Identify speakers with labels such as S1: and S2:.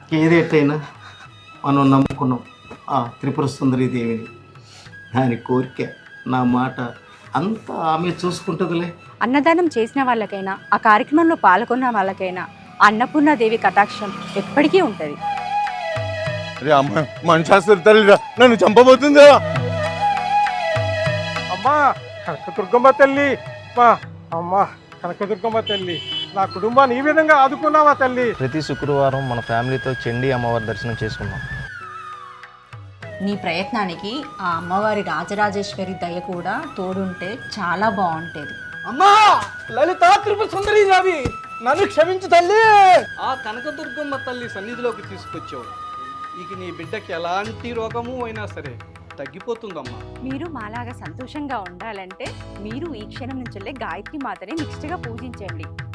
S1: ఏదేటైనా మనం నమ్ముకున్నాం ఆ త్రిపుర సుందరి దేవిని. దాని కోరిక నా మాట అంతా ఆమె చూసుకుంటుందిలే.
S2: అన్నదానం చేసిన వాళ్ళకైనా ఆ కార్యక్రమంలో పాల్గొన్న వాళ్ళకైనా అన్నపూర్ణాదేవి కటాక్షం ఎప్పటికీ ఉంటుంది.
S3: అరే అమ్మ మనశాస్త్రి తల్లిరా నన్ను చంపబోతుందా?
S4: అమ్మా కనకదుర్గమ్మ తల్లి, మా అమ్మా కనకదుర్గమ్మ తల్లి, నా కుటుంబాన్ని ఈ విధంగా ఆదుకున్నావా తల్లి?
S5: ప్రతి శుక్రవారం మన ఫ్యామిలీతో చండీ అమ్మవారి దర్శనం చేసుకున్నాం.
S6: నీ ప్రయత్నానికి ఆ అమ్మవారి రాజరాజేశ్వరి దయ కూడా తోడుంటే చాలా బాగుంటేది.
S7: అమ్మా లలిత త్రిపుర సుందరి దేవి, నన్ను క్షమించు తల్లి. ఆ కనకదుర్గమ్మ తల్లి సన్నిధిలోకి తీసుకొచ్చావు. ఇక నీ బిడ్డకి ఎలాంటి రోగము అయినా సరే తగ్గిపోతుందమ్మా.
S2: మీరు మాలాగా సంతోషంగా ఉండాలంటే మీరు ఈ క్షణం నుంచెల్లే గాయత్రి మాతని నిష్ఠగా పూజించండి.